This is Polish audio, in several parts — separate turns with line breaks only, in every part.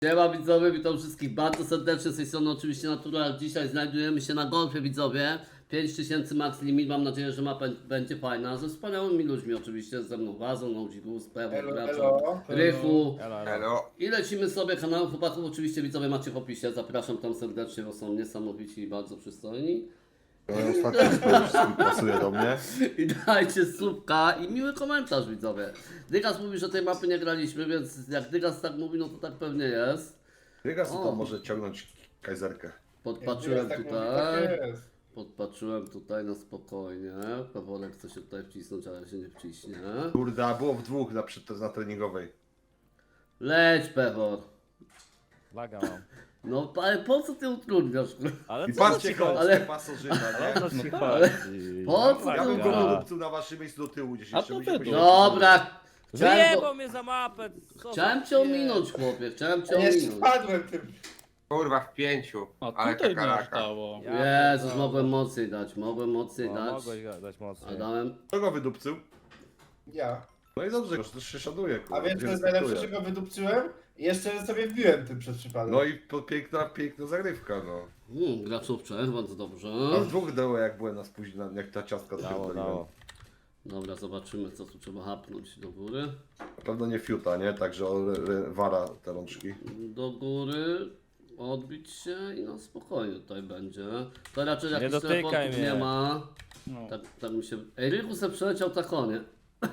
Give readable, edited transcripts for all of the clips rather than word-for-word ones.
Siema widzowie, witam wszystkich bardzo serdecznie, z tej strony oczywiście Natural. Dzisiaj znajdujemy się na golfie widzowie. 5000 max limit, mam nadzieję, że mapa będzie fajna. Ze wspaniałymi ludźmi oczywiście, ze mną Wazą, Nodzigus, Pewor, Graczem, Rychu.
Elo.
I lecimy sobie kanał chłopaków, oczywiście widzowie macie w opisie. Zapraszam tam serdecznie, bo są niesamowici i bardzo przystojni.
Ostatnio wszystkim pasuje do mnie.
I dajcie słupka i miły komentarz widzowie. Dygas mówi, że tej mapy nie graliśmy, więc jak Dygas tak mówi, no to tak pewnie jest.
Dygas
O.
tam może ciągnąć kajzerkę.
Podpatrzyłem
tak
tutaj.
Mówi, tak jest.
Podpatrzyłem tutaj na spokojnie. Peworek chce się tutaj wcisnąć, ale się nie wciśnie.
Kurde, a było w dwóch na treningowej.
Leć, Pewor.
Laga mam.
No, ale po co ty utrudniasz?
Ale
I
co
patrzcie,
ci
koło
chodzi?
ale-
pasożyta,
Ale
nie?
co ci chodzi?
Po co
Ja bym
Laga.
go wydupcył na waszym miejscu do tyłu gdzieś
A
jeszcze.
to
byśmy
wy
się-
Dobra.
Wyjebał mnie za mapę. Co
Chciałem
za
cię
pier-
ominąć, chłopie. Chciałem cię
Ja jeszcze
ominąć.
wpadłem tym.
Kurwa w 5.
A
Ale
tutaj mi aż
kakaraka.
dało.
Ja
Jezus, mogłem mocniej dać. Mogłem mocniej
No,
dać.
mogłeś dać
A
mocniej.
dałem.
Kto go wydupcył?
Ja.
No i dobrze, że też się szanuje, kurwa.
A wiesz,
się
co jest najlepsze, że
respektuje.
go wydupczyłem i jeszcze sobie wbiłem tym przez przypadek.
No i piękna zagrywka, no.
Graczówcze, bardzo dobrze.
A w dwóch dało jak byłem na spóźnieniu, jak ta ciastka
Dało,
pierdoliłem.
dało.
Dobra, zobaczymy co tu trzeba hapnąć do góry.
Na pewno nie fiuta, nie? Także wara te rączki.
Do góry. Odbić się i no spokojnie tutaj będzie. To raczej
Nie
jakichś
dotykaj
teleportów
mnie.
nie ma.
No.
Tak mi się... Ej, Rychu se przeleciał takonie.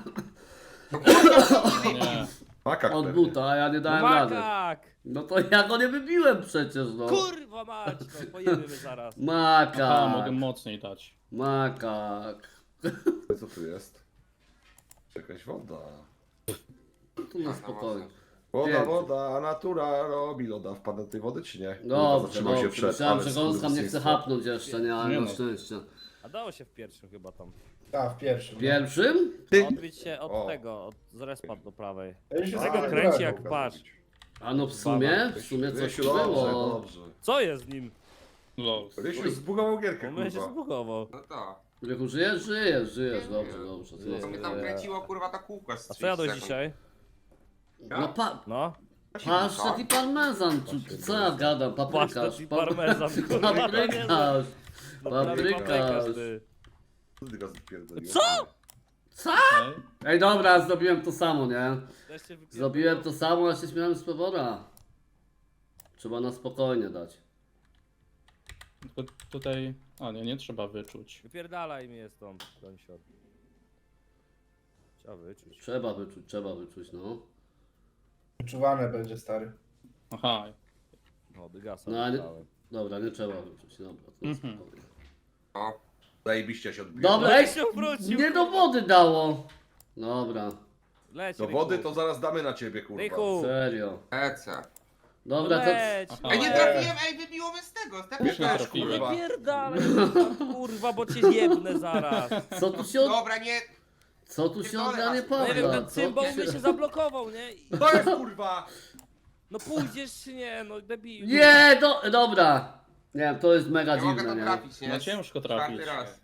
Nie.
Makak
Od
pewnie.
buta, a ja nie dałem rady.
Makak!
No to ja go nie wybiłem przecież, no.
Kurwa mać, no pojemy zaraz.
Aha, mogę
Makak.
mocniej dać.
Makak.
Co tu jest? Jakaś woda.
Tu na spokojnie.
Woda,
Pięknie.
woda, a natura robi loda. Wpadł do tej wody czy nie?
Dobrze,
Zatrzymał się
dobrze.
przed,
Myślałem,
ale
że gąska mnie chce
skurwysyństwo.
hapnąć jeszcze, nie, ale
Nie
na
no.
szczęście.
A dało się w pierwszym chyba tam.
Tak, w pierwszym.
Pierwszym?
Ty-
Odbić się od
O.
tego, od z respa do prawej.
Ja już się
Tego
zagrałem.
kręci jak patrz.
A no w sumie coś
Rysiu,
tu
dobrze,
było.
dobrze.
Co jest z nim?
Lol.
Rysiu zbugował gierkę,
On mnie się
kurwa.
zbugował.
No to.
Rychu, żyjesz, dobrze, dobrze.
Nie.
Co mi tam kręciło kurwa ta kółka z
A co jadłeś
30
dzisiaj?
No
No?
pasztet i parmezan, co ja gadam, paprykarz.
Pasztet i parmezan, kurwa.
Paprykarz.
No prawie paprykarz, ty.
Co ty go spierdoliłeś?
Co?
Co?
Okej.
Ej dobra, zrobiłem to samo, nie?
Też się wypierdolę.
Zrobiłem to samo, a się śmiałem z Pewora. Trzeba na spokojnie dać.
Tylko tutaj... A nie, nie trzeba wyczuć.
Wypierdalaj mnie stąd, Donsior. Trzeba wyczuć.
Trzeba wyczuć, no.
Wyczuwane będzie, stary.
Aha.
No, dygasa
No, ale-
wybrałem.
Dobra, nie trzeba wyczuć, dobra. To na
Mhm.
spokojnie.
O,
Zajebiście się odbiło.
Dobra,
No
ej,
i się wrócił,
nie do wody dało. Dobra,
Leć,
Do
Ryku.
wody to zaraz damy na ciebie, kurwa.
Ryku.
serio.
ece.
Dobra,
No
to...
leć.
Aha.
Ej, nie trafiłem, ej, wybiło mnie z tego, z
Już nie
tego.
trafiłem.
kurwa.
Wypierdalaj, kurwa, bo cię jebnę zaraz.
Co tu się od...
Dobra, nie.
Co tu się odgranie
No nie wiem,
Pawła?
ten cymbał mnie się zablokował, nie? I-
To jest kurwa!
No pójdziesz czy nie, no debil.
Nie, dobra. Nie, to jest mega
Nie mogę
dziwne,
tam
nie?
trafić, nie?
No ciężko
Czwarty
trafić.
raz.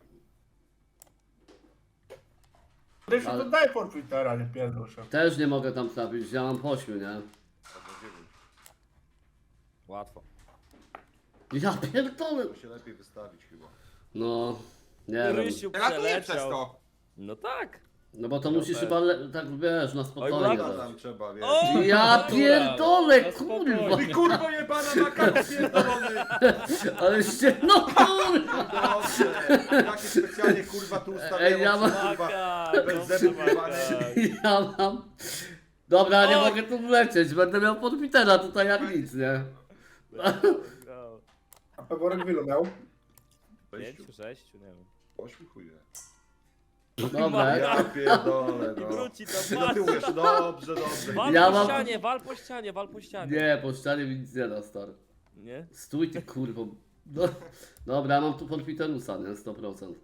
Rysiu,
Ale-
to daj por Twittera, nie pierdol się.
Też nie mogę tam trafić, ja mam 8, nie?
Łatwo.
Ja pierdolę.
To się lepiej wystawić chyba.
No, nie wiem.
Rysiu
Ratuję przez
przeleciał.
to.
No tak.
No bo to
Ja
musisz
też.
chyba, tak wiesz, na spokojnie
Oj,
No
dać.
tam trzeba, wiesz.
O!
Ja
Dobra,
pierdolę,
na
kurwa.
spokojnie.
Ty kurwo jebana makaron pierdolony!
Ale się, no kurwa.
Dobrze! Jakie specjalnie kurwa tu ustawiają,
Ej, ja mam-
kurwa.
Makak,
bez
dobrze,
zębów
makak.
Ja mam... Dobra, nie
Oj.
mogę tu wlecieć, będę miał podpitera tutaj jak nic, nie?
A Peworek wielu miał?
5, 6, nie wiem.
Ośmiu chuje.
Dobra,
Ja pierdolę,
I
no.
wróci to,
Ty do tyłu jeszcze, dobrze, dobrze.
Wal
Ja
po
mam-
ścianie, wal po ścianie, wal po ścianie.
nie, po ścianie mi nic nie da, stary.
Nie?
Stój ty kurwo. No, dobra, mam tu podpiterusa, nie? 100%.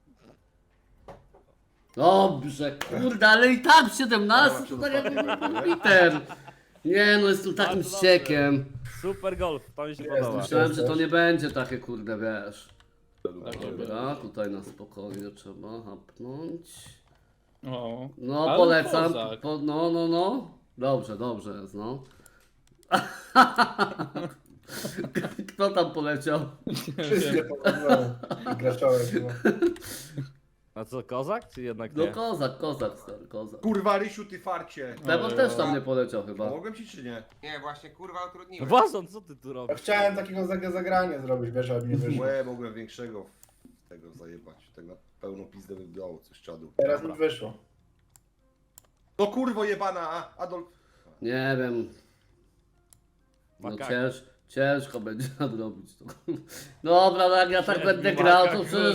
Dobrze, kurde, ale i tak 17 to tak jak podpiter. Nie no, jest tu takim
Bardzo dobrze.
ściekiem.
Super golf, to mi się
Jest,
podoba.
Myślałem, że to nie będzie takie kurde, wiesz.
Takie
Dobra, tutaj na spokojnie trzeba hapnąć.
O.
No,
Ale
polecam.
kozak.
No. Dobrze jest, no. Kto tam poleciał?
Wszystkie pokazują. Graczołek.
A co, kozak czy jednak
No
nie?
kozak, stary, kozak.
Kurwa, Rysiu, ty farcie.
Pewor
Oj,
też
oj.
tam nie poleciał chyba.
Pomogłem ci czy nie?
Nie, właśnie kurwa utrudniłem.
Wazon, co ty tu
Ja
robisz?
chciałem takiego zagrania zrobić, wiesz, ale mi nie wyszło.
Łe, mogłem większego tego zajebać. Tak na pełną pizdę by dało coś czadu.
Teraz mi wyszło.
No kurwo jebana, Adolf.
Nie wiem. No
Makak.
ciężko będzie nadrobić to. Dobra, no jak ja tak będę grał, to przecież...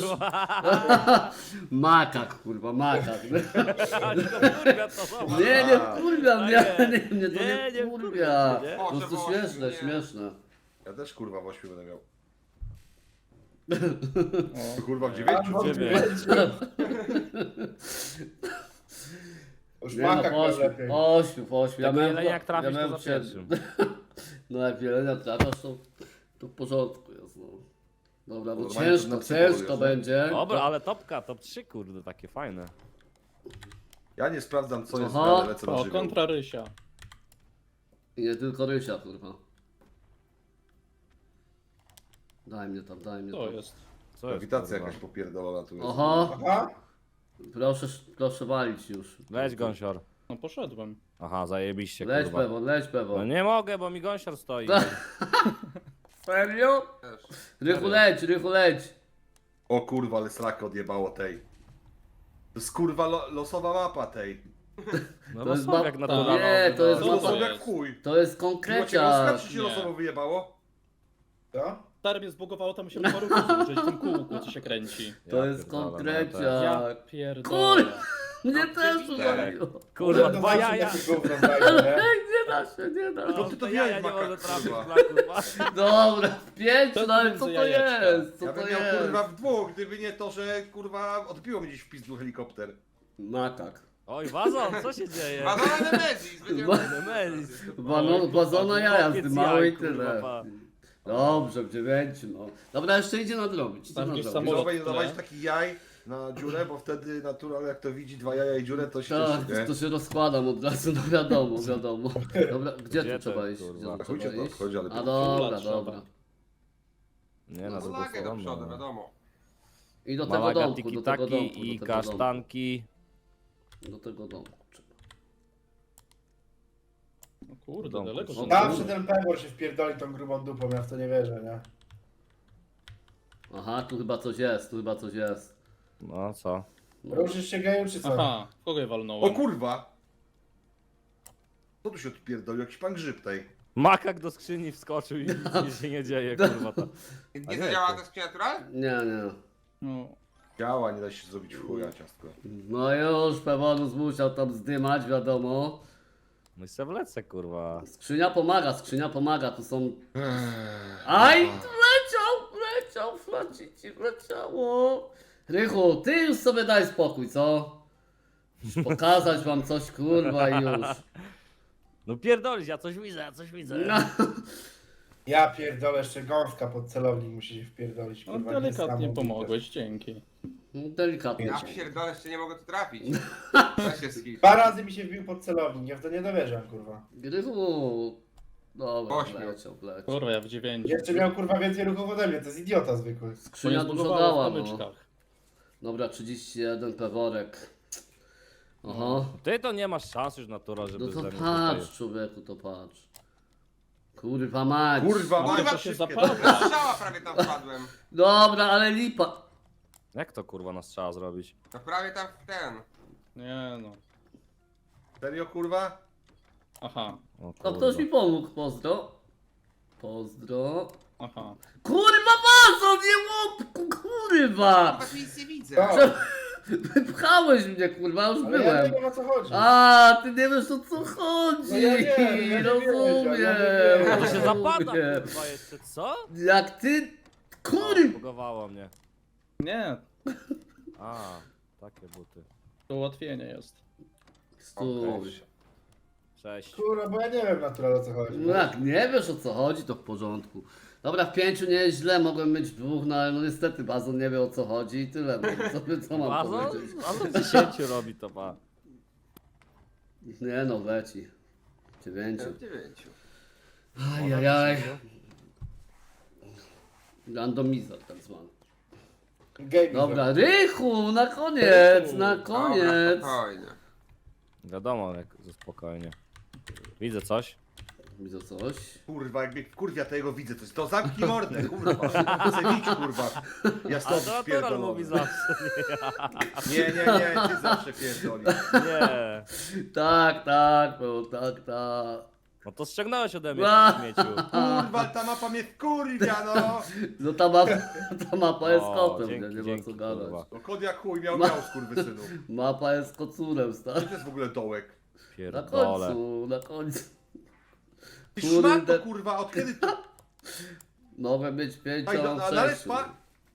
Makak, kurwa, makak.
Ale to kurwa to zobacz.
Nie kurwa,
A
mnie to nie kurwa.
nie?
Po prostu
Boże,
śmieszne,
nie.
śmieszne.
Ja też kurwa w 8 będę miał.
O,
Kurwa w 9?
Już
Nie no,
makak
po
ma
ośmiu,
lepiej.
po ośmiu.
Jak jeleniak trafisz, to za
siedmiu.
pierwszym.
No jak jelenia trafiasz, to w porządku jest, no. Dobra, no
Normalnie to na psycholu
ciężko
jest,
będzie.
Dobra, ale topka, top 3 kurde, takie fajne.
Ja nie sprawdzam co jest,
Aha.
ale lecę na
o
żywioł.
kontra Rysia.
I nie tylko Rysia, kurwa. Daj mnie tam, daj mnie
To
tam.
jest.
Co jest,
Grawitacja
kurwa?
jakaś popierdolona tu jest.
Oho,
Aha.
proszę walić już.
Leć gąsior.
No poszedłem.
Aha, zajebiście
Leć
kurwa.
Pewor, leć Pewor.
No nie mogę, bo mi gąsior stoi.
Serio?
Też.
Rychu leć.
O kurwa, ale srakę odjebało tej. To jest kurwa losowa mapa tej.
No
To jest
losowiak
map-
naturalny.
Nie, to jest
To
mapa-
losowo
jest?
jak chuj.
To jest
Było cię
konkrecia.
czy ci się
Nie.
losowo wyjebało?
Co?
Stary mnie zbugowało, tam się paru razy użyć w tym kółku, co się kręci.
To jest
pierdolę, no
konkrecia.
Ja pierdolę.
Mnie też
przewidziałem.
uwaliło.
Kurwa,
To
dwa
zawsze
jaja.
takie gówno znajdzie, nie?
Nie da się, nie da się.
No ty to
jaja
widziałeś,
nie
Makak,
może trafić,
kurwa.
kurwa.
Dobra, w pięciu,
To
no ale
między
co to
jajeczka.
jest? Co
Ja
to
bym miał
jest?
kurwa w dwóch, gdyby nie to, że kurwa odbiło mi gdzieś w pizdu helikopter.
Makak.
Oj, wazon, co się dzieje?
Madonna Nemezis, będziemy...
Nemesis.
Wazona jaja
Chłopiec
zdymały i
jaj, kurwa,
tyle.
pa.
Dobrze, w 9, no. Dobra, jeszcze idzie nadrobić.
Tam gdzieś
I
Samolot
znowu nie
tle.
dawać takich jaj na dziurę, bo wtedy natural jak to widzi dwa jaja i dziurę, to się
Tak,
cieszy, nie?
to się rozkładam od razu, no wiadomo. Dobra, gdzie
Gdzie
tu trzeba
ten,
iść? Gdzie
kurwa?
tu
Chodźcie
trzeba
to,
iść?
chodź, ale
A
to-
dobra,
trzeba.
dobra.
Nie, na
No
drugą
flagę do
stronę.
przodu, wiadomo.
I do tego
Malaga,
domku, do tego
tiki-taki
domku,
i
do tego domku.
kasztanki.
Do tego domku trzeba.
No kurde,
Domku.
daleko
No
się
Zawsze ten Pewor się wpierdoli tą grubą dupą, ja w to nie wierzę, nie?
Aha, tu chyba coś jest,
No co?
Ruszysz się geju, czy co?
Aha, w kogo je
O
walnąłem?
kurwa! Co tu się odpierdolił? Jakiś pan grzyb tej.
Makak do skrzyni wskoczył i nic się nie dzieje, kurwa. To.
Gdzie
nie,
to działa
to-
ta skrzynia natural?
Nie.
No,
Działa, nie da się zrobić w chuja ciastko.
No już, Pewonus musiał tam zdymać, wiadomo.
No i se wlecę, kurwa.
Skrzynia pomaga, tu są... Aj, leciał, flacici, leciało. Rychu, ty już sobie daj spokój, co? Już pokazać wam coś, kurwa, i już.
No pierdolisz, ja coś widzę.
No.
Ja pierdolę, jeszcze gąska pod celownik musi się wpierdolić,
no
kurwa.
delikatnie
niesamowite.
pomogłeś, dzięki.
Delikatnie.
Ja pierdolę, jeszcze nie mogę tu trafić. Weź się skill.
2 razy mi się wbił pod celownik, ja w to nie dowierzam, kurwa.
Rychu... Dobra,
Ośmiu.
leciał.
Kurwa, ja w 9.
Jeszcze miał, kurwa, więcej ruchów ode mnie, to jest idiota zwykły.
Skrzynia dużo
zbugowało
dała,
w
no.
kamyczkach.
Dobra, 31, peworek. Oho.
Ty to nie masz szans już natura, żeby
No to
ze mnie
patrz, człowieku, to patrz. Kurwa mać.
Kurwa,
No
Maja,
to się
wszystkie-
zapada.
Na strzała prawie tam wpadłem.
Dobra, ale lipa.
Jak to kurwa nas trzeba zrobić?
No prawie tam w ten.
Nie no.
Serio kurwa?
Aha,
O,
To
kurwa.
ktoś mi pomógł, pozdro. Pozdro.
aha.
Kurwa bazo, nie łopku, kurwa!
Chyba tu nic nie widzę.
Tak,
Wypchałeś mnie, kurwa, już
ale ja nie
byłem.
wiem, o co chodzi.
A, ty nie wiesz o co chodzi.
No ja wiem, ja nie
Rozumiem.
wiem,
A to się
Rozumiem.
zapada, kurwa, jeszcze co?
Jak ty, kurwa.
Bugowało mnie.
Nie,
A, takie buty.
to ułatwienie jest.
Stój.
Cześć.
Kurwa, bo ja nie wiem natural, o co chodzi.
No jak nie wiesz o co chodzi, to w porządku. Dobra, w 5 nie jest źle, mogłem mieć w 2, no ale no niestety Bazon nie wie o co chodzi i tyle. No, co mam
Wazon?
powiedzieć?
Wazon 10 robi to, pa.
Nie no, leci. 9.
W 9.
Ajajaj. Randomizer tak zwany.
Game
Dobra, Rychu, na koniec, na
Dobra,
koniec.
spokojnie.
Wiadomo, jak spokojnie. Widzę coś.
Widzę coś.
Kurwa, jak mnie kurwia, to jego widzę coś. To zamknij mordę, kurwa. Chcę bić, kurwa. Ja
A
stąd
to natural
spierdolony.
mówi zawsze.
Nie, ty zawsze pierdolisz.
Nie.
Tak, tak, było, tak, tak.
No to ściągnąłeś ode mnie,
A.
ty śmieciu.
Kurwa, ta mapa mnie kurwia, no.
No ta mapa jest
O,
kotem,
dzięki,
nie ma
dzięki,
co gadać.
kurwa.
No kod jak chuj miał skurwysynu.
Mapa jest kocurem,
Co
stary.
to jest w ogóle dołek?
Na
Pierdolę.
końcu, na końcu.
Ty
Kurde.
szmato, kurwa, od kiedy to?
Mogę być
Aj, no,
pięcią,
ale
sześciu.
spa...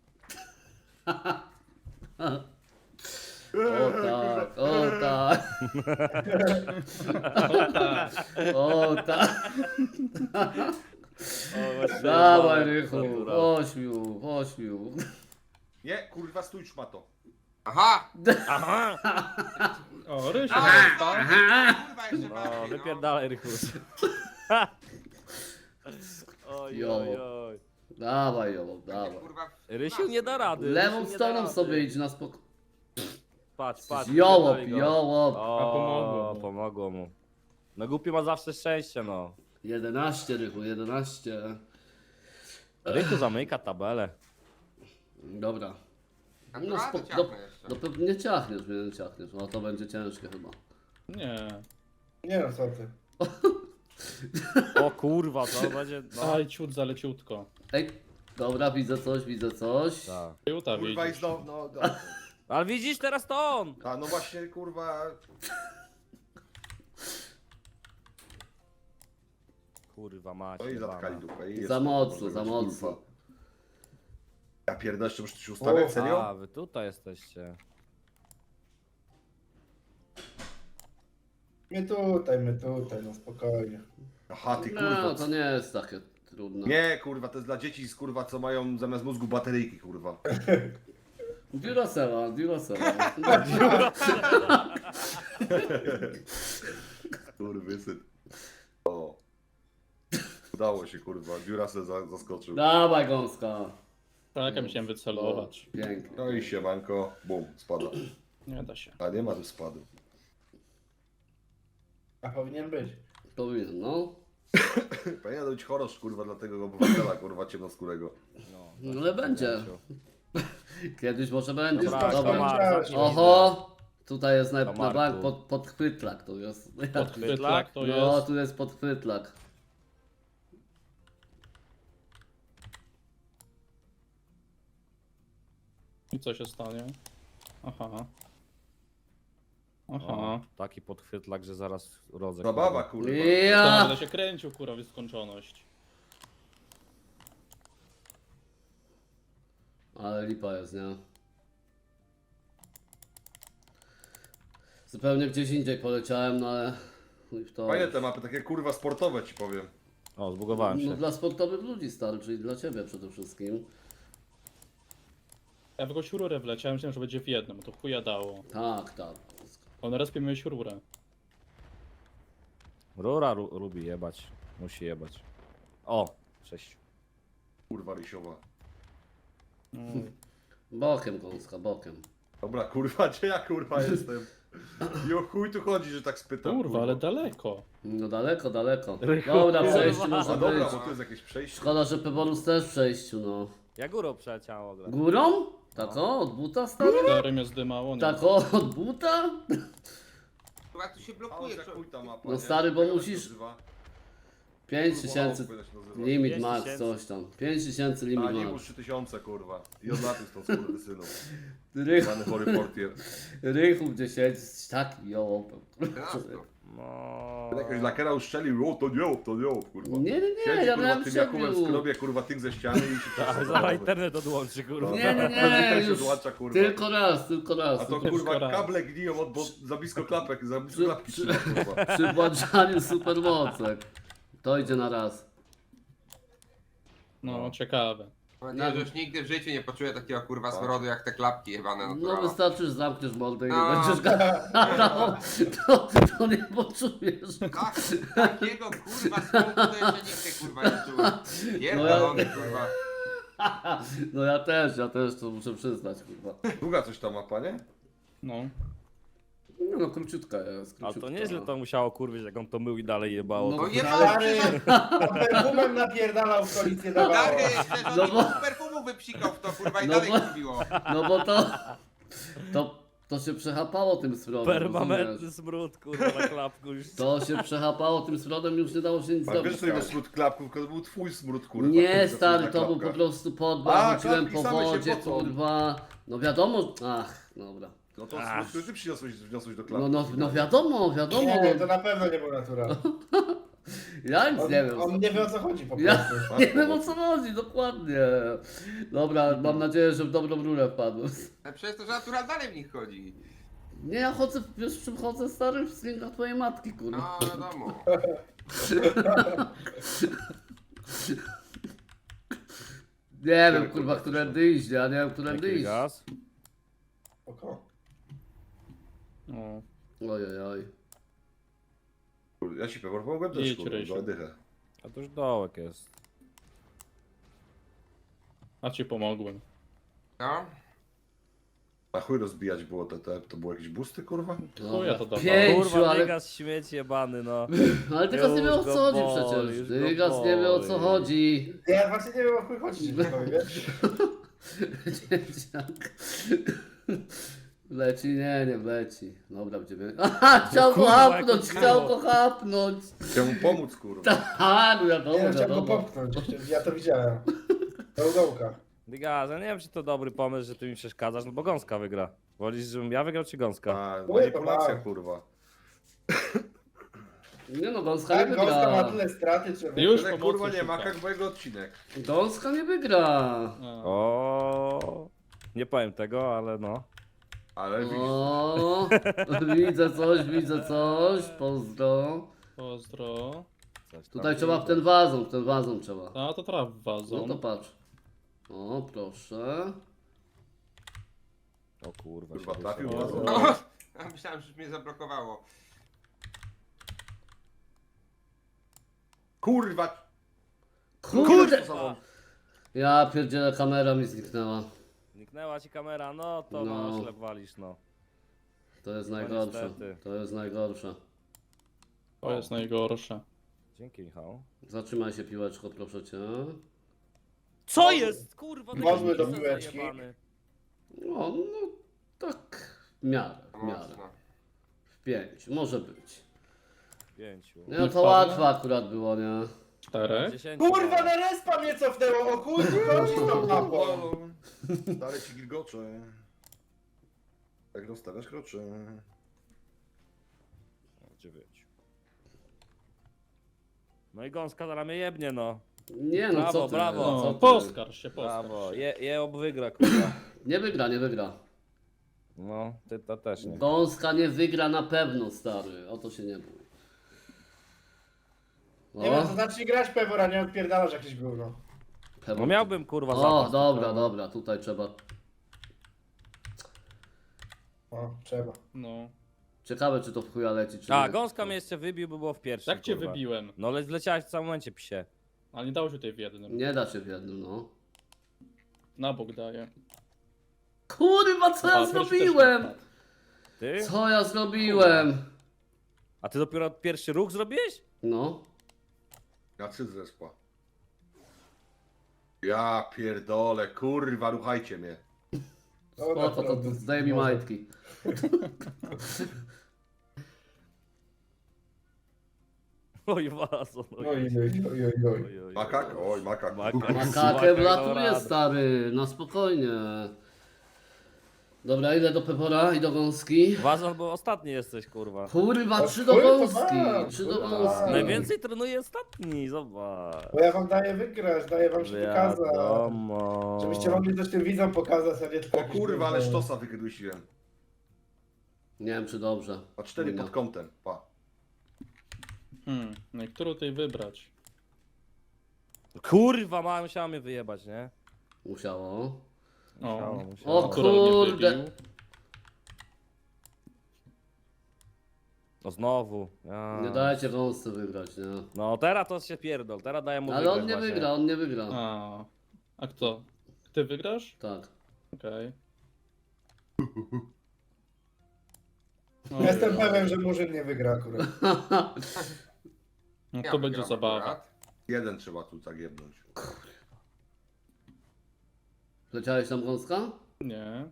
O tak, o tak. O tak.
O, właśnie,
Dawaj
dobra,
Rychu,
dobra.
ośmiu.
Nie, kurwa, stój szmato.
Aha!
Aha!
O, Rysiu,
Kurwa, jeszcze
No,
bardziej, no.
wypierdalaj, Rychus. Oj,
Jo.
oj, oj.
Dawaj ją, dawaj.
Kurwa,
Rysiu nie da rady.
Lewą
Rysiu nie da
stroną
rady.
sobie idź na spokój.
Patrz, patrz.
Jołop,
wypierdalaj go.
jołop.
O,
pomogło mu.
pomogło mu. No głupi ma zawsze szczęście, no.
11 Rychu, 11.
Rychu zamyka tabelę.
Dobra. No,
Naturalnie
do,
ciachnę jeszcze.
do pewnie ciachniesz, nie ciachniesz. No to będzie ciężkie chyba.
Nie.
Nie no, co ty.
O kurwa, to będzie. No.
Aj, ciut zaleciutko.
Ej, dobra, widzę coś, widzę coś.
Tak.
Ciuta
Kurwa, i
widzisz.
znowu, no,
Ale widzisz, teraz to on!
a no właśnie, kurwa...
Kurwa macie.
No i
jebana.
zatkali dupę. I jest,
Za mocno,
kurwa,
za
kurwa.
mocno.
Ja pierdolę, jeszcze muszę się ustawiać, serio?
A, wy tutaj jesteście.
My tutaj, no spokojnie.
Aha, ty
No,
kurwa.
to nie jest takie trudne.
Nie, kurwa, to jest dla dzieci, kurwa, co mają zamiast mózgu bateryjki, kurwa.
Duracella.
Kurwysyn. O. Udało się, kurwa. Duracell zaskoczył.
Dawaj gąska.
Tak, ja musiałem wycelować.
Pięknie.
No i siemanko. Bum, spada.
Nie da się.
A nie ma tu spadu.
A powinien być.
Powinien, no.
Powinien być chorosz, kurwa, dla tego obywatela, kurwa, ciemnoskórego.
No ale będzie. Kiedyś może będzie.
Dobra,
Dobra.
Tomar, zacznij.
Oho! Tutaj jest na
Tomarku.
bank podchwytlak, tu jest.
Podchwytlak to
No,
jest.
tu jest podchwytlak.
I co się stanie? Aha. Aha.
O, taki podchwytlak, że zaraz rodzę.
Zabawa, kurwa.
Ja!
Będę się kręcił, kurwa, w skończoność.
Ale lipa jest, nie? Zupełnie gdzieś indziej poleciałem, no ale... chuj w to.
Fajne te mapy, takie kurwa sportowe ci powiem.
O, zbugowałem
No
się.
dla sportowych ludzi stary, czyli dla ciebie przede wszystkim.
Ja w jakąś rurę wleciałem, myślałem, że będzie w jednym, to chuja dało.
Tak, tak.
On raz miałeś rurę.
Rura lubi jebać. Musi jebać. O, 6.
Kurwa rysiowa.
Bokiem gąska, bokiem.
Dobra, kurwa, gdzie ja kurwa jestem? I o chuj tu chodzi, że tak spytam.
Kurwa, ale daleko.
No daleko, daleko.
Rychu.
Dobra, przejściu
A
może
dobra,
być.
bo tu jest jakieś przejście.
Szkoda, że Peborus też w przejściu, no.
Ja górą przeleciałem ogólnie.
Górą? Tak o, od buta stary?
Stary mnie zdymało, nie?
Tak o, od buta?
Kurwa, tu się
A
blokuje.
za chuj ta mapa,
No
nie?
stary, bo
Jak to się
musisz-
nazywa?
5000
Kurwa, jak to się nazywa?
limit
5
max,
tysięcy.
coś tam. 5000 limit
A nie
max.
już 3000, kurwa. I odlatuj stąd, skurwysynów.
Rychu,
Pany chory portier.
Rychu gdzie siedzi, taki jołopem.
No.
Jakaś lakera uszczelił, o to nie, kurwa.
Nie,
Siedzi,
ja
kurwa,
miałem
tym Jakubem
przebił.
skrobie, kurwa, tych ze ściany i się
Tak, zaraz internet odłączy, kurwa.
Nie,
Internet się
już
odłącza, kurwa.
tylko raz.
A to
Tylko
kurwa
raz.
kable gniją od, bo za blisko klapek, za blisko klapki trzyma, kurwa.
Przy włączaniu supermocek. To idzie na raz.
No, ciekawe.
Mam nadzieję, że już nigdy w życiu nie poczuję takiego kurwa
Tak.
smrodu jak te klapki jebane
No
naturalne.
wystarczy, że zamkniesz mordę i nie
No.
będziesz gadał, to nie poczujesz.
Tak, takiego kurwa smoku to jeszcze nikt kurwa nie czuł. Pierdolony kurwa.
No ja też to muszę przyznać, kurwa.
Długa coś ta mapa, nie?
No.
No króciutka jest,
Ale
króciutka.
to nieźle to musiało kurwić, jak on to mył i dalej jebało.
No
to...
No nie
Stary,
ma
to perfumem napierdalał w koalicję dawało.
Stary, przecież on
No
no
bo-
perfumu wypsikał w to kurwa i
No
dalej
bo-
mówiło.
No bo to się przechapało tym smrodem,
Permanentny
rozumiesz?
smród, kurwa, na klapku już.
To się przechapało tym smrodem, już nie dało się nic
A wiesz,
zrobić.
że to był
stary.
smród klapków, to był twój smród, kurwa.
Nie,
który
stary,
zaczyna
to był
klapka.
po prostu podbał,
A,
chodziłem
klapki
po
same się
wodzie,
pocą.
kurwa. No wiadomo, dobra.
No to smród, który ty wniosłeś do
No,
klapki.
no wiadomo.
Nie, to na pewno nie był natural.
Ja nic nie wiem.
On nie wie o co chodzi po
Ja
prostu.
nie wiem o co chodzi, dokładnie. Dobra, mam nadzieję, że w dobrą rurę wpadłem.
Ale przecież to, że natural dalej w nich chodzi.
Nie, ja chodzę, wiesz w czym chodzę, stary? W slingach twojej matki, kurwa.
No wiadomo.
Nie wiem, kurwa, którędy iść, ja nie wiem, którędy
Jaki
iść.
gaz?
Oko.
No.
Ojej.
Ja ci pomogłem też,
Idź,
kurwa,
Rysiu.
do dychę.
A to już dołek jest.
A ci pomogłem.
No.
A chuj rozbijać było to było jakieś busty, kurwa?
Chuja to dawało.
5,
Kurwa,
ale,
Dygas śmieć jebany, no.
ale Dygas nie wie o
Już
co
go
chodzi
boli,
przecież.
już go
Dygas nie wie o co
boli.
chodzi.
Ja właśnie nie wiem o chuj chodzi, że tak powiem, wiesz?
Dzieciak. Leci? Nie wleci. Dobra, będziemy... Aha, chciał go
kurwa,
hapnąć,
jak
chciał
było.
go hapnąć.
Chciałem mu pomóc, kurwa.
Aha, no wiadomo,
Nie, chciałem go
wiadomo.
popchnąć, ja to widziałem. Do udołka.
Dygas, ja nie wiem, czy to dobry pomysł, że ty mi przeszkadzasz, no bo Gąska wygra. Wolisz, żebym ja wygrał, czy Gąska?
A,
Chuj,
manipulacja,
to
kurwa.
Nie no, Gąska nie
Tak, Gąska ma
wygra.
tyle straty, czy...
Już
Ale
pomocy
kurwa nie ma,
szuka.
jak mojego odcinek.
Gąska nie wygra.
A.
O, nie powiem tego, ale no.
Ale widzisz,
O, widzę coś, pozdro.
Pozdro.
Coś tam
Tutaj trzeba w
widać.
ten wazon trzeba.
A to traf
No
wazon.
to patrz. O, proszę.
O kurwa,
Kurwa,
się
trafił
wyszło.
wazon.
Ja myślałem, że już mnie zablokowało.
Kurwa!
Kurde!
Kurwa!
Ja pierdzielę, kamera mi zniknęła.
Zniknęła ci kamera, no to
No.
no. Ślep walisz, no.
To jest
No
najgorsze.
niestety.
To jest najgorsze.
To jest najgorsze.
Dzięki, Michał.
Zatrzymaj się, piłeczko, proszę cię.
Co jest? Kurwa,
Wozmy do
taki
piłeczki.
zajebany.
No tak, w miarę.
Mocno.
W 5, może być.
5.
Nie, no to
wpadnę?
łatwe akurat było, nie?
4.
10.
Kurwa, na respa mnie cofnęło, o kurwa, chodzi z tą mapą.
Dalej ci gilgocze. Jak dostawiasz krocze.
9. No i Gąska zaraz mnie jebnie, no.
Nie no,
Brawo,
co ty?
brawo.
Co
No,
ty?
poskarż się,
Brawo,
poskarż się.
je wygra, kurwa.
Nie wygra.
No, ty to też nie.
Gąska nie wygra na pewno, stary. O to się nie bój.
Nie wiem, to zacznij grać Pewora, nie odpierdalasz jakieś gówno.
No miałbym, kurwa,
O,
zapas.
dobra, tutaj trzeba.
O, trzeba.
No.
Ciekawe, czy to w chuja leci, czy
A,
nie.
Gąska mnie jeszcze wybił, by było w pierwszym,
Tak cię
kurwa.
wybiłem.
No, ale zleciałeś w samym momencie, psie.
Ale nie dało się tutaj w jednym.
Nie da się w jednym, no.
Na bok daję.
Kurwa, co ja
A, Rysiu też
zrobiłem?
nie wpadł.
Ty?
Co ja zrobiłem?
A ty dopiero pierwszy ruch zrobiłeś?
No.
Ja cyt zespa. Ja pierdolę, kurwa, ruchajcie mnie.
Dobra,
O, to zdaj mi
może.
majtki.
Oj, wazon.
Oj.
Makak? Oj, makak.
Makakę wlatuje, stary, na spokojnie. Dobra, idę do Pepora i do Gąski.
Wazon, bo ostatni jesteś, kurwa.
Kurwa,
No
3 do
chuj, to
Gąski,
mam,
3 do
kurwa.
Gąski.
Najwięcej trenuje ostatni, zobacz.
Bo ja wam daję wygrać, daję wam się pokazać.
Wiadomo.
Żebyście mogli coś tym widzom pokazać, a nie tylko...
O kurwa, ale sztosa wykrydusiłem.
Nie wiem, czy dobrze.
A 4 pod kątem, pa.
No i którą tutaj wybrać?
Kurwa, mała musiała mnie wyjebać, nie?
Musiało.
O,
O
Koral nie
kurde.
wybił.
No znowu. Ja.
Nie dajcie wąsce wygrać, nie?
No teraz to się pierdol, teraz daję mu
Ale
wygrać
on nie
właśnie.
wygra, on nie wygra.
A kto? Ty wygrasz?
Tak.
Okej.
Jestem pewien, że Murzyn nie wygra akurat.
No
Ja
to będzie
wygram
zabawa.
akurat.
Jeden trzeba tu tak jebnąć.
Leciałeś tam gąska?
Nie.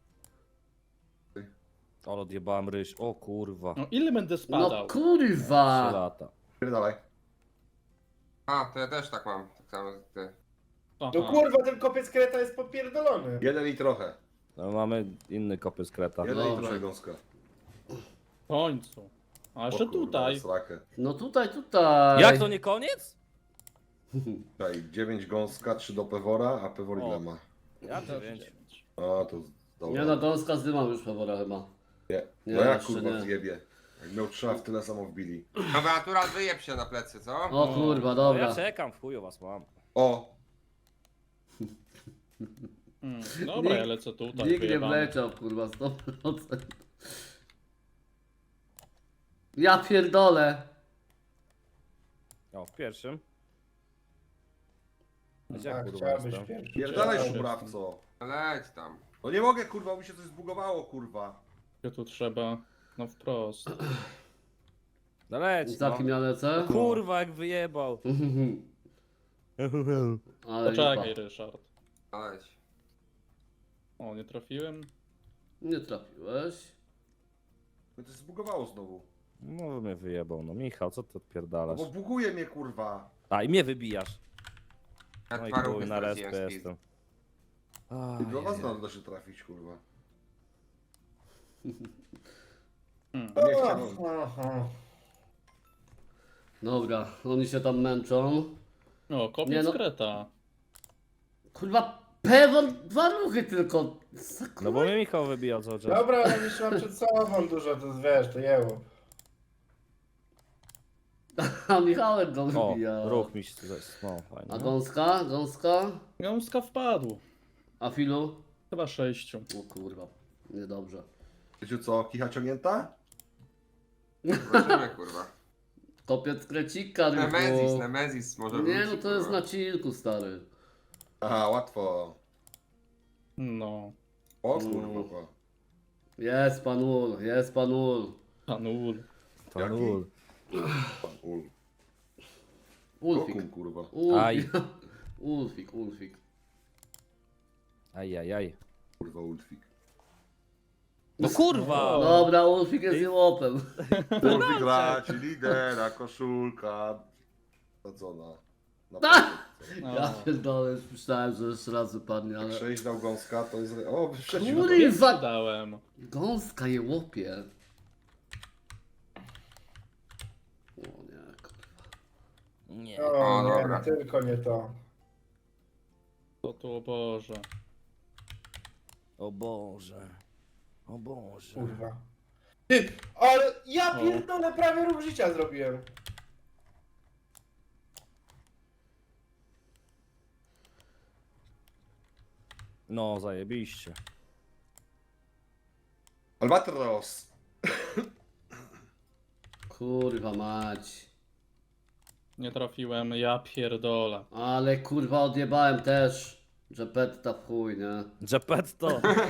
Ale odjebałem ryż, o kurwa.
No ile będę
No
spadał?
3
kurwa!
lata.
Pierdalaj.
A, to ja też tak mam. Tak samo jak ty.
Aha.
No kurwa, ten kopiec kreta jest popierdolony.
Jeden i trochę.
No mamy inny kopy z kreta.
Jeden i
Dobra.
trochę gąska.
W końcu. A jeszcze
O kurwa,
tutaj.
Lesrakę.
No tutaj.
Jak to nie koniec?
Tutaj 9 gąska, 3 do Pewora, a Pewor ile
O.
ma?
Ja 9.
A to dobra.
Nie no, gąska zdymał już Pewora chyba.
Nie.
Nie,
No jak
jeszcze
kurwa
nie.
zjebie. Jak miał 3, a w tyle samo wbili.
Dobra, natural wyjeb się na plecy, co?
O kurwa,
No
dobra.
ja czekam, w chuju was mam.
O!
Dobra,
Nikt-
ja lecę tutaj.
Nikt nie
wyjebane.
wleciał, kurwa, 100%. Ja pierdolę.
O, w pierwszym. Gdzie
Tak,
kurwa
chciałbyś
jestem?
pierwszy.
Pierdalaj
Cześć.
szubrawco.
Leć tam.
No nie mogę kurwa, mi się coś zbugowało kurwa.
Ja tu trzeba. No wprost.
No leć,
Za kim
no.
ja lecę?
Kurwa jak wyjebał.
Ale
Poczekaj,
lipa.
Ryszard.
Leć.
O, nie trafiłem.
Nie trafiłeś.
No to się zbugowało znowu.
No mnie wyjebał, no Michał, co ty
No
odpierdalasz?
bo buguje mnie kurwa.
A i mnie wybijasz.
Ja
No i
dwa
chuj,
ruchy
na respę
straciłem speed.
jestem.
I do was
Ajej.
da się trafić kurwa.
Hmm.
Nie chciałem.
Aha.
Dobra, oni się tam męczą.
O, kopiec
Nie no.
kreta.
Kurwa, Pewor, 2 ruchy tylko. Co,
No
kurwa?
bo mnie Michał wybijał cały czas.
Dobra, ale jeszcze mam przed sobą dużo, to wiesz, to jeło.
A Michałem go
O,
wybija.
ruch mi się tutaj, no fajnie.
A
No.
gąska? Gąska?
Gąska wpadł.
A filu?
Chyba 6.
O kurwa, niedobrze.
Wiecie co, kicha ciągnięta?
Zobaczymy, kurwa.
Kopiec krecika,
Nemezis, Nemezis może
Nie
wróci,
no, to jest
kurwa.
na chillku, stary.
Aha, łatwo.
No.
O kurwa.
Jest pan Ul, jest pan Ul.
Panul.
To
Jaki?
nul.
Pan Ul.
Ulfik.
Kokum kurwa.
Aj.
Ulfik, Ulfik.
Ajajaj.
Kurwa Ulfik.
No kurwa!
Dobra, Ulfik jest jełopem.
Ulfik raci, lidera, koszulka. Sadzona. Na
No.
Ja pierdolę, już myślałem, że jeszcze raz wypadnie,
Jak
ale...
6 dał gąska, to jest... O, wyprzedził.
Kurwa!
Dałem.
Gąska jełopie. O nie, kurwa.
Nie.
O,
O,
nie,
dobra.
tylko nie to.
To tu, o Boże.
O Boże. O Boże.
Kurwa. Ty, ale ja
O.
pierdolę, prawie ruch życia zrobiłem.
No zajebiście.
Albatros.
Kurwa mać.
Nie trafiłem, ja pierdolę.
Ale kurwa odjebałem też. Że petta w chuj, nie?
Gepetto.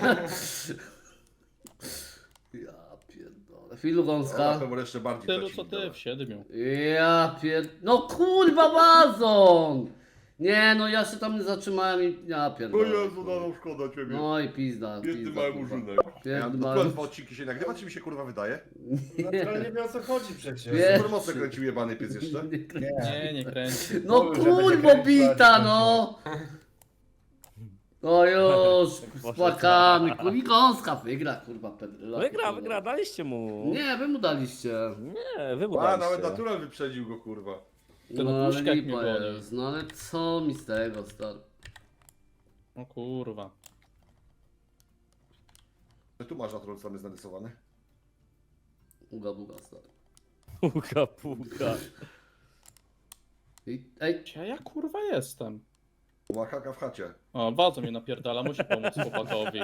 Ja pierdolę. Filu
Na
gąska.
pewno jeszcze bardziej
Tylu
traci
co ty,
lidera.
w 7.
Ja No kurwa wazon! Nie no, ja się tam nie zatrzymałem i... Ja
O
pierdolę.
Jezu, no szkoda ciebie.
No i pizda,
Biedny
pizda,
mały
kurwa.
murzynek. Ja,
Biedny
to
mały...
dwa odcinki się nagrywa, czy mi się kurwa wydaje?
Naturalnie wie o co chodzi przecież.
Wie-
Super mocno kręcił jebany pies jeszcze.
Nie, nie kręci.
No
Mówił, że będzie
kurwo
kręcił,
bita,
ale
no! No już, z płakami, kurwa, i gąska wygra, kurwa, Pedryla.
Wygra, daliście mu.
Nie, wy mu daliście.
Nie, wy mu
A, nawet
daliście.
natural wyprzedził go kurwa.
Ten
No ale
Puszkak mnie
lipa
goni.
jest, no ale co mi z tego, stary?
O kurwa.
Tu masz natural sam jest narysowany.
Uga buga, stary.
Puka.
Ej,
Gdzie ja kurwa jestem?
Makaka w chacie.
O, bardzo mnie napierdala, musi pomóc chłopakowi.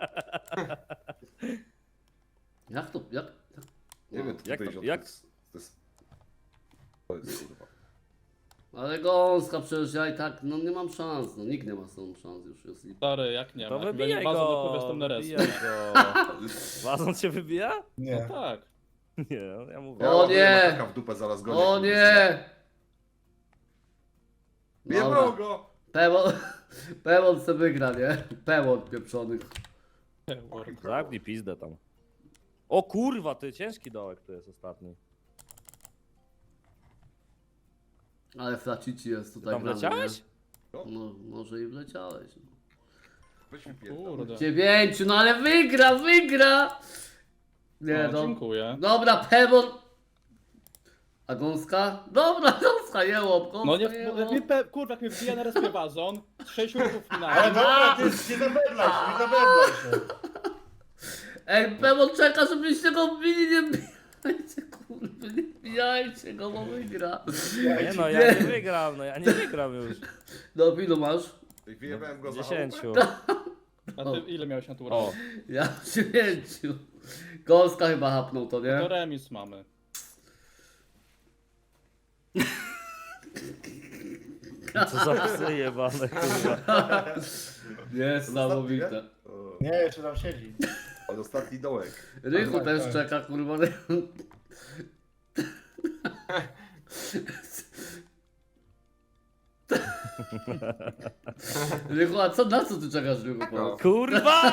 Jak to, jak?
Nie wiem,
jak
to
to-
wyjdzie.
jak?
To jest kurwa.
Ale gąska, przecież ja i tak, no nie mam szans, no nikt nie ma z tą szans, już jest lipa.
Stary, jak nie
To
ma. Jak
wybijaj
będzie bazą, to
go!
powiesz tam na res.
Wybijaj go! Wazon cię wybija?
Nie.
Tak.
Nie, no ja mówię.
O
ładuję
nie!
Makaka w dupę zaraz gonię.
O nie!
Jebał go!
Pewon se wygra, nie? Pewon pieprzony.
Zamknij pizdę tam. O kurwa, ty ciężki dołek to jest ostatni.
Ale flacici jest tutaj.
Tam
grany,
wleciałeś?
nie? No, może i wleciałeś. No.
Weź mi pierdol.
Kurde.
9, no ale wygra! Nie,
O,
no.
dziękuję.
Dobra, Pewon. A gąska? Dobra, gąska, jełop, gąska,
No nie,
jełop.
kurwa, jak mnie wbija na respie wazon, 6 ruchów
Ale
minąłem.
dobra, ty nie zabedlaj się, nie zabedlaj się.
Ej, Pewon czeka, żebyście go wbili, nie wbijajcie, kurwa, nie wbijajcie go, bo wygra.
Nie no, ja nie wygram, no ja nie wygram już.
No, ilu masz?
Wyjebałem go za
10.
chałupę.
A ty ile miałeś natura?
O,
Ja 9. Gąska chyba hapnął to,
To
nie?
remis mamy.
co za psy jebane, kurwa.
Niesamowite.
O,
Nie, jeszcze tam siedzi.
ale ostatni dołek.
Rychu
Tak,
też
tak.
czeka, kurwa. Rychu, a na co ty czekasz, Rychu? powiedz?
Kurwa!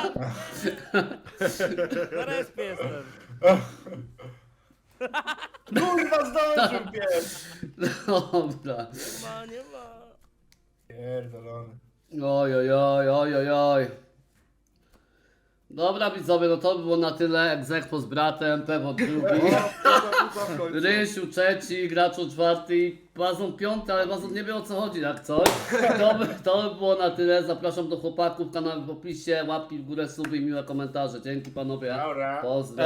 Na respie jestem.
Kurwa, zdążył pies!
Dobra.
Nie ma.
Pierdolony.
Oj, oj, oj, oj, oj, oj. Dobra, widzowie, no to by było na tyle. Egzekwo z bratem, Pewo drugi.
W końcu.
Rysiu trzeci, Graczu czwarty, Bazon piąty, ale Bazon nie wie o co chodzi, jak coś. To by było na tyle. Zapraszam do chłopaków, kanały w opisie, łapki w górę, suby i miłe komentarze. Dzięki panowie.
Dobra.
Pozdrawiam.